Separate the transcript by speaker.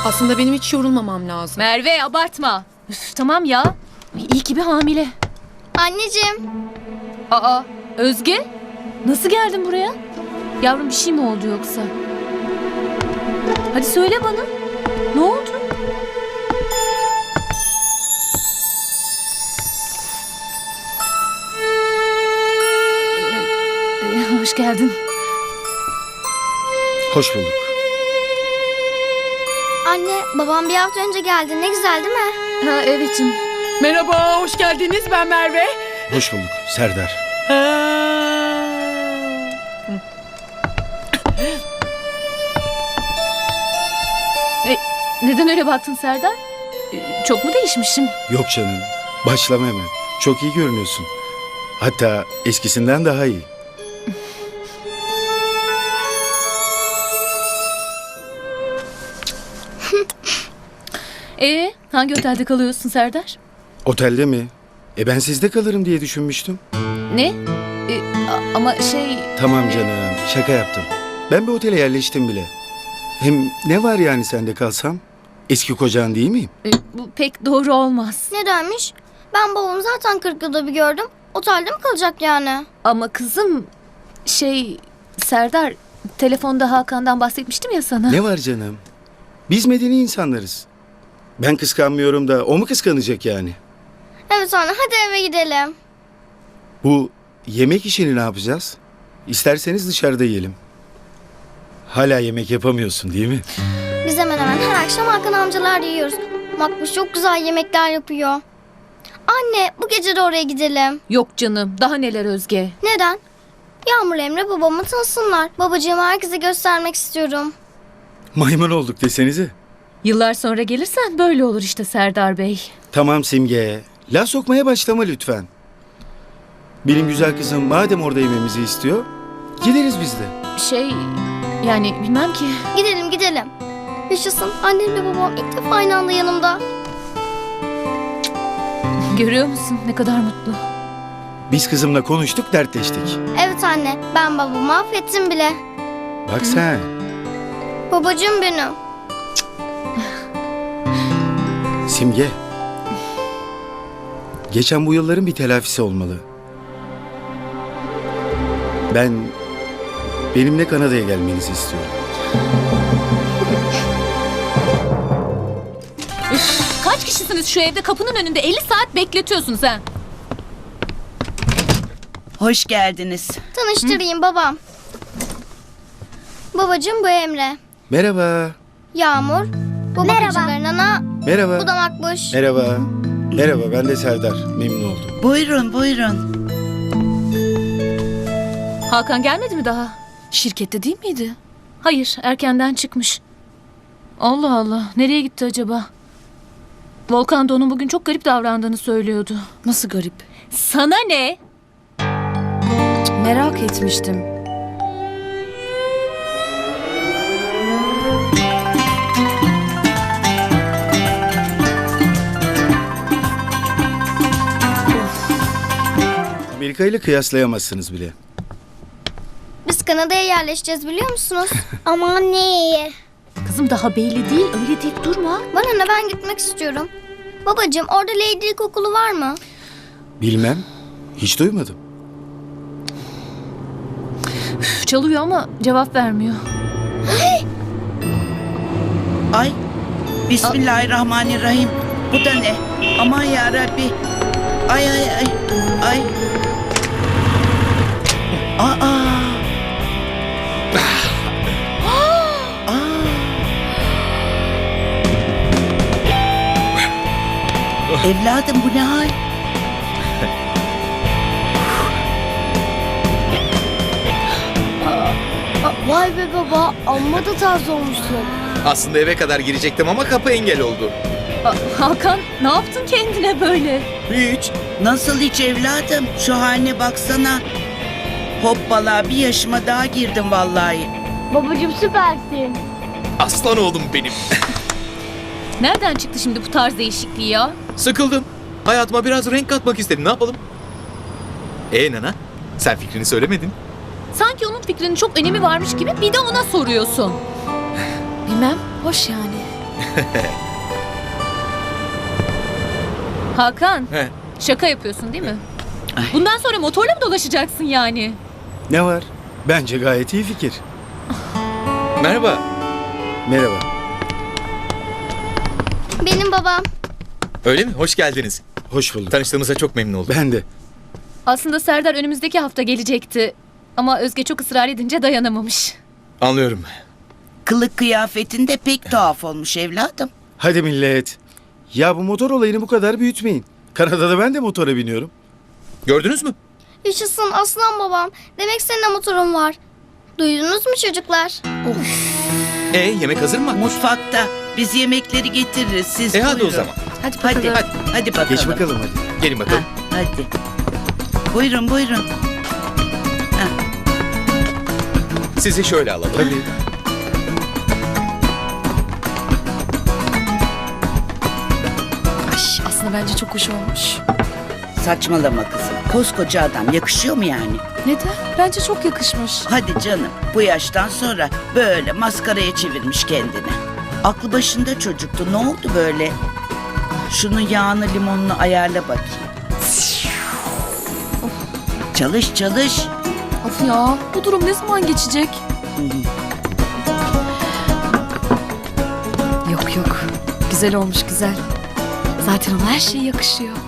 Speaker 1: Aslında benim hiç yorulmamam lazım.
Speaker 2: Merve abartma. Üf, tamam ya. İyi ki bir hamile.
Speaker 3: Anneciğim.
Speaker 2: Aa Özge. Nasıl geldin buraya? Yavrum bir şey mi oldu yoksa? Hadi söyle bana. Ne oldu? Hoş geldin.
Speaker 4: Hoş bulduk.
Speaker 3: Anne, babam bir hafta önce geldi. Ne güzel değil mi?
Speaker 2: Ha evet'im.
Speaker 1: Merhaba, hoş geldiniz. Ben Merve.
Speaker 4: Hoş bulduk Serdar.
Speaker 2: Neden öyle baktın Serdar? Çok mu değişmişim?
Speaker 4: Yok canım. Başlama hemen. Çok iyi görünüyorsun. Hatta eskisinden daha iyi.
Speaker 2: Hangi otelde kalıyorsun Serdar?
Speaker 4: Otelde mi? Ben sizde kalırım diye düşünmüştüm.
Speaker 2: Ne? Ama şey...
Speaker 4: Tamam canım. Şaka yaptım. Ben bir otele yerleştim bile. Hem ne var yani sende kalsam? Eski kocan değil miyim?
Speaker 2: Bu pek doğru olmaz.
Speaker 3: Nedenmiş? Ben babamı zaten 40 yılda bir gördüm. Otelde mi kalacak yani?
Speaker 2: Ama kızım... Serdar... Telefonda Hakan'dan bahsetmiştim ya sana.
Speaker 4: Ne var canım? Biz medeni insanlarız. Ben kıskanmıyorum da o mu kıskanacak yani?
Speaker 3: Evet anne, hadi eve gidelim.
Speaker 4: Bu yemek işini ne yapacağız? İsterseniz dışarıda yiyelim. Hala yemek yapamıyorsun değil mi?
Speaker 3: Biz hemen hemen her akşam Hakan amcalar yiyoruz. Makbuş çok güzel yemekler yapıyor. Anne, bu gece de oraya gidelim.
Speaker 2: Yok canım. Daha neler Özge?
Speaker 3: Neden? Yağmur Emre babamı tanısınlar. Babacığımı herkese göstermek istiyorum.
Speaker 4: Maymun olduk desenize.
Speaker 2: Yıllar sonra gelirsen böyle olur işte Serdar Bey.
Speaker 4: Tamam Simge. Laf sokmaya başlama lütfen. Benim güzel kızım madem orada yememizi istiyor, gideriz biz de.
Speaker 2: Yani bilmem ki.
Speaker 3: Gidelim gidelim. Yaşasın, annemle babam ilk defa aynı anda yanımda.
Speaker 2: Görüyor musun ne kadar mutlu.
Speaker 4: Biz kızımla konuştuk, dertleştik.
Speaker 3: Evet anne, ben babamı affettim bile.
Speaker 4: Bak sen.
Speaker 3: Babacığım benim.
Speaker 4: Simge. Geçen bu yılların bir telafisi olmalı. Benimle Kanada'ya gelmenizi istiyorum.
Speaker 2: Üf, kaç kişisiniz şu evde kapının önünde 50 saat bekletiyorsunuz ha?
Speaker 5: Hoş geldiniz.
Speaker 3: Tanıştırayım babam. Babacığım bu Emre.
Speaker 4: Merhaba.
Speaker 3: Yağmur. Bu bakıcıların ana.
Speaker 4: Merhaba.
Speaker 3: Bu da Makbuş.
Speaker 4: Merhaba. Merhaba, ben de Serdar. Memnun oldum.
Speaker 5: Buyurun buyurun.
Speaker 2: Hakan gelmedi mi daha?
Speaker 1: Şirkette değil miydi?
Speaker 2: Hayır, erkenden çıkmış. Allah Allah, nereye gitti acaba? Volkan da onun bugün çok garip davrandığını söylüyordu.
Speaker 1: Nasıl garip?
Speaker 2: Sana ne?
Speaker 1: Merak etmiştim.
Speaker 4: Amerika ile kıyaslayamazsınız bile.
Speaker 3: Biz Kanada'ya yerleşeceğiz biliyor musunuz? Aman ne iyi.
Speaker 2: Kızım daha belli değil, öyle deyip durma.
Speaker 3: Bana ne, ben gitmek istiyorum. Babacığım orada Lady okulu var mı?
Speaker 4: Bilmem. Hiç duymadım.
Speaker 2: Üf, çalıyor ama cevap vermiyor.
Speaker 5: Ay. Bismillahirrahmanirrahim. Bu da ne? Aman ya Rabbi. Ay ay ay. Ay. Aa. Evladım bu ne hal?
Speaker 3: Vay be baba, amma da tarz olmuşsun.
Speaker 6: Aslında eve kadar girecektim ama kapı engel oldu.
Speaker 2: Hakan, ne yaptın kendine böyle?
Speaker 6: Hiç.
Speaker 5: Nasıl hiç evladım? Şu haline baksana. Hoppala bir yaşıma daha girdim vallahi.
Speaker 3: Babacığım süpersin.
Speaker 6: Aslan oğlum benim.
Speaker 2: Nereden çıktı şimdi bu tarz değişikliği ya?
Speaker 6: Sıkıldım. Hayatıma biraz renk katmak istedim. Ne yapalım? Nana, sen fikrini söylemedin.
Speaker 2: Sanki onun fikrinin çok önemi varmış gibi bir de ona soruyorsun.
Speaker 1: Bilmem, hoş yani.
Speaker 2: Hakan,
Speaker 6: He.
Speaker 2: şaka yapıyorsun değil mi? Bundan sonra motorla mı dolaşacaksın yani?
Speaker 4: Ne var? Bence gayet iyi fikir.
Speaker 6: Merhaba.
Speaker 4: Merhaba.
Speaker 3: Benim babam.
Speaker 6: Öyle mi? Hoş geldiniz.
Speaker 4: Hoş bulduk.
Speaker 6: Tanıştığımıza çok memnun oldum.
Speaker 4: Ben de.
Speaker 2: Aslında Serdar önümüzdeki hafta gelecekti. Ama Özge çok ısrar edince dayanamamış.
Speaker 6: Anlıyorum.
Speaker 5: Kılık kıyafetin de pek tuhaf olmuş evladım.
Speaker 4: Hadi millet. Ya bu motor olayını bu kadar büyütmeyin. Kanada'da ben de motora biniyorum.
Speaker 6: Gördünüz mü?
Speaker 3: Yaşasın aslan babam. Demek senin de motorun var. Duydunuz mu çocuklar?
Speaker 6: Yemek hazır mı?
Speaker 5: Mutfakta. Biz yemekleri getiririz. Siz
Speaker 6: Hadi o
Speaker 5: buyurun.
Speaker 6: zaman.
Speaker 1: Hadi
Speaker 5: Hadi,
Speaker 1: bakalım.
Speaker 5: hadi bakalım.
Speaker 4: Geç bakalım hadi.
Speaker 6: Gelin bakalım.
Speaker 5: Hadi. Buyurun buyurun.
Speaker 6: Sizi şöyle alalım.
Speaker 4: Tabii.
Speaker 1: Ay, aslında bence çok hoş olmuş.
Speaker 5: Saçmalama kızım. Koskoca adam yakışıyor mu yani?
Speaker 1: Neden? Bence çok yakışmış.
Speaker 5: Hadi canım. Bu yaştan sonra böyle maskaraya çevirmiş kendini. Aklı başında çocuktu. Ne oldu böyle? Şunun yağını limonunu ayarla bakayım. Çalış çalış.
Speaker 1: Of ya, bu durum ne zaman geçecek? Yok yok, güzel olmuş güzel. Zaten ona her şey yakışıyor.